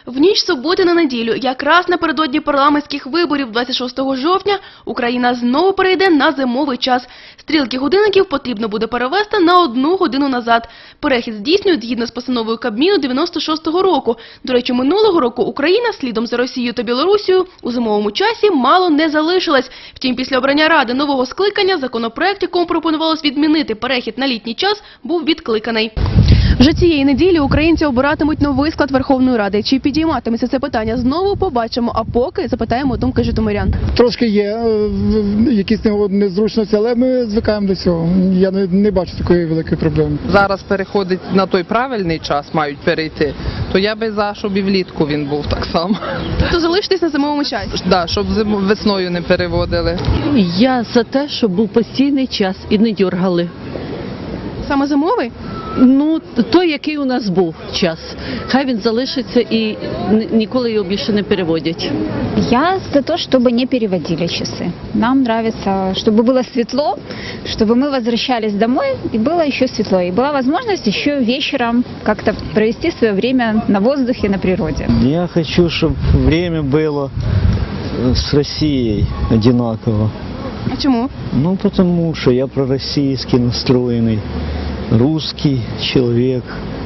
В ніч з суботи на неділю, якраз напередодні парламентських виборів 26 жовтня, Україна знову перейде на зимовий час. Стрілки годинників потрібно буде перевести на 1 годину назад. Перехід здійснюють згідно з постановою Кабміну 96-го року. До речі, минулого року Україна, слідом за Росією та Білорусією, у зимовому часі мало не залишилась. Втім, після обрання Ради нового скликання законопроект, якому пропонувалось відмінити перехід на літній час, був відкликаний. Вже цієї неділі українці обиратимуть новий склад Верховної Ради. Чи підійматиметься це питання знову, побачимо. А поки запитаємо думки житомирян. Трошки є якісь незручності, але ми звикаємо до цього. Я не бачу такої великої проблеми. Зараз переходить на той правильний час, мають перейти, то я би за, щоб і влітку він був так само. Тобто залишитись на зимовому часі? Да, щоб весною не переводили. Я за те, щоб був постійний час і не дергали. Саме зимовий? Ну, той, який у нас був час. Хай він залишиться і ніколи його більше не переводять. Я за то, чтобы не переводили часы. Нам нравится, чтобы было светло, чтобы мы возвращались домой и было еще светло. И была возможность еще вечером как-то провести свое время на воздухе, на природе. Я хочу, чтобы время было с Россией одинаково. А чому? Ну, потому что я пророссийски настроенный, русский человек.